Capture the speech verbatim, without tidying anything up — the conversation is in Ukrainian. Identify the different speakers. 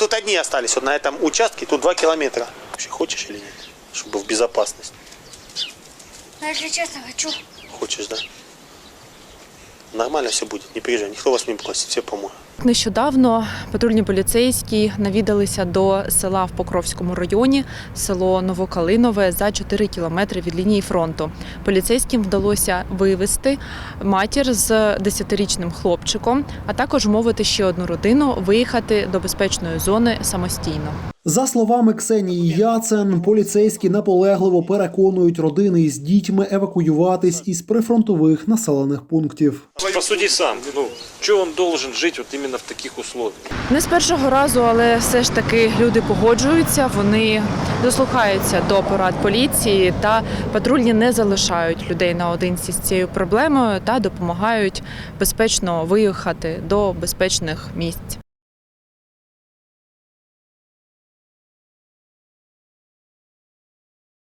Speaker 1: тут одни остались, вот на этом участке, тут два километра. Вообще хочешь или нет? Чтобы в безопасность.
Speaker 2: Ну, если честно, хочу.
Speaker 1: Хочешь, да? Нормально все будет, не переживай, никто вас не бросит, все помоют.
Speaker 3: Нещодавно патрульні поліцейські навідалися до села в Покровському районі, село Новокалинове, за чотири кілометри від лінії фронту. Поліцейським вдалося вивезти матір з десятирічним хлопчиком, а також вмовити ще одну родину виїхати до безпечної зони самостійно.
Speaker 4: За словами Ксенії Яцен, поліцейські наполегливо переконують родини із дітьми евакуюватись із прифронтових населених пунктів.
Speaker 5: Посуди сам, ну, чого він должен жити от іменно в таких условиях?
Speaker 3: Не з першого разу, але все ж таки люди погоджуються, вони дослухаються до порад поліції та патрульні не залишають людей наодинці з цією проблемою та допомагають безпечно виїхати до безпечних місць.